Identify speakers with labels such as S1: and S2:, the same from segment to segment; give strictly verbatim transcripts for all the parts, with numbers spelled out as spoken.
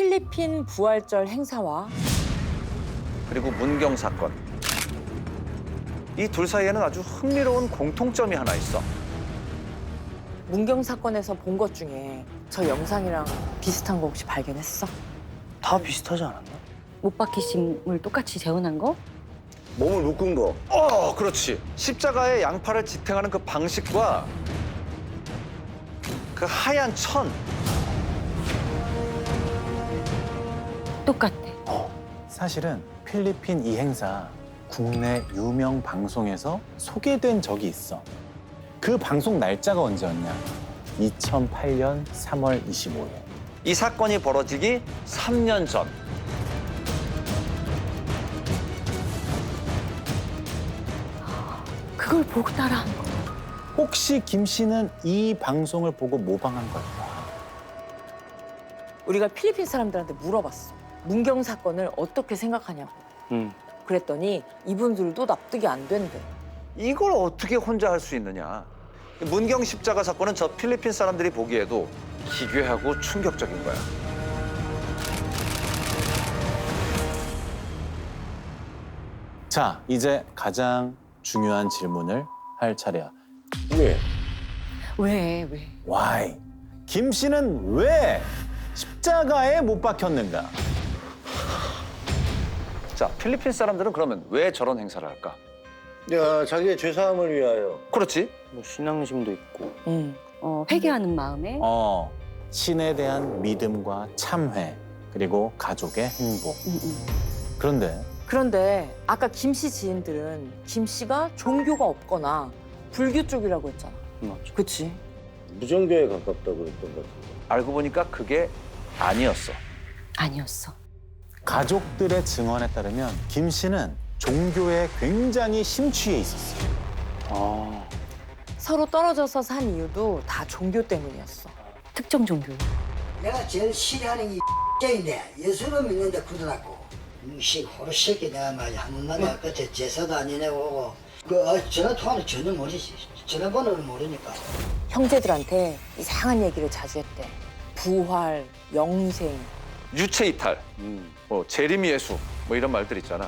S1: 필리핀 부활절 행사와
S2: 그리고 문경 사건. 이 둘 사이에는 아주 흥미로운 공통점이 하나 있어.
S1: 문경 사건에서 본 것 중에 저 영상이랑 비슷한 거 혹시 발견했어?
S3: 다 비슷하지 않았나?
S4: 못 박히심을 똑같이 재현한 거?
S5: 몸을 묶은 거.
S2: 어, 그렇지. 십자가에 양팔을 지탱하는 그 방식과 그 하얀 천.
S4: 똑같아.
S6: 사실은 필리핀 이 행사 국내 유명 방송에서 소개된 적이 있어. 그 방송 날짜가 언제였냐? 이천팔 년 삼월 이십오일.
S2: 이 사건이 벌어지기 삼 년 전.
S4: 그걸 보고 따라한 거.
S6: 혹시 김 씨는 이 방송을 보고 모방한 걸까?
S1: 우리가 필리핀 사람들한테 물어봤어. 문경 사건을 어떻게 생각하냐고.
S3: 응.
S1: 그랬더니 이분들도 납득이 안 된대.
S2: 이걸 어떻게 혼자 할 수 있느냐. 문경 십자가 사건은 저 필리핀 사람들이 보기에도 기괴하고 충격적인 거야.
S6: 자, 이제 가장 중요한 질문을 할 차례야.
S5: 왜?
S4: 왜, 왜?
S6: Why? 김 씨는 왜 십자가에 못 박혔는가?
S2: 자, 필리핀 사람들은 그러면 왜 저런 행사를 할까?
S5: 야, 자기의 죄사함을 위하여.
S2: 그렇지.
S3: 뭐 신앙심도 있고.
S1: 응.
S4: 어, 회개하는 마음에
S6: 어, 신에 대한 믿음과 참회, 그리고 가족의 행복.
S4: 응, 응.
S6: 그런데
S1: 그런데 아까 김 씨 지인들은 김 씨가 종교가 없거나 불교 쪽이라고 했잖아.
S3: 맞죠.
S1: 그치?
S5: 무정교에 가깝다고 그랬던 것 같은데.
S2: 알고 보니까 그게 아니었어.
S4: 아니었어.
S6: 가족들의 증언에 따르면 김 씨는 종교에 굉장히 심취해 있었어.
S3: 아,
S1: 서로 떨어져서 산 이유도 다 종교 때문이었어.
S4: 특정 종교.
S7: 내가 제일 싫어하는 게 X인데 예수를 믿는데 굳어놨고 씨 호루새끼 내가 말이야 한 번만 끝에 제사도 안 지내고 그 어, 전화 통화는 전혀 모르지 전화번호를 모르니까
S1: 형제들한테 이상한 얘기를 자주 했대. 부활, 영생.
S2: 유체 이탈,
S3: 음.
S2: 뭐 재림 예수, 뭐 이런 말들 있잖아.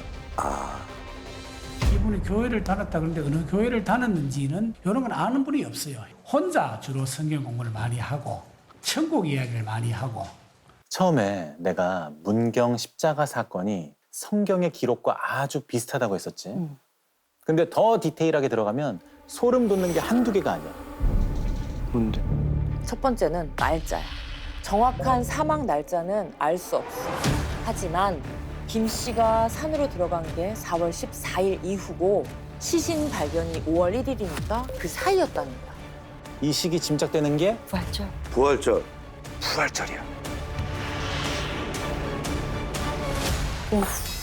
S8: 이분이 교회를 다녔다 그러는데 어느 교회를 다녔는지는 이런 건 아는 분이 없어요. 혼자 주로 성경 공부를 많이 하고 천국 이야기를 많이 하고.
S6: 처음에 내가 문경 십자가 사건이 성경의 기록과 아주 비슷하다고 했었지.
S4: 응.
S6: 근데 더 디테일하게 들어가면 소름 돋는 게 한두 개가 아니야.
S3: 뭔데?
S1: 첫 번째는 날짜야. 정확한 사망 날짜는 알 수 없어. 하지만 김 씨가 산으로 들어간 게 사월 십사일 이후고 시신 발견이 오월 일일이니까 그 사이였다는 거야.
S6: 이 시기 짐작되는 게
S4: 부활절.
S5: 부활절.
S2: 부활절이야.
S1: 오후.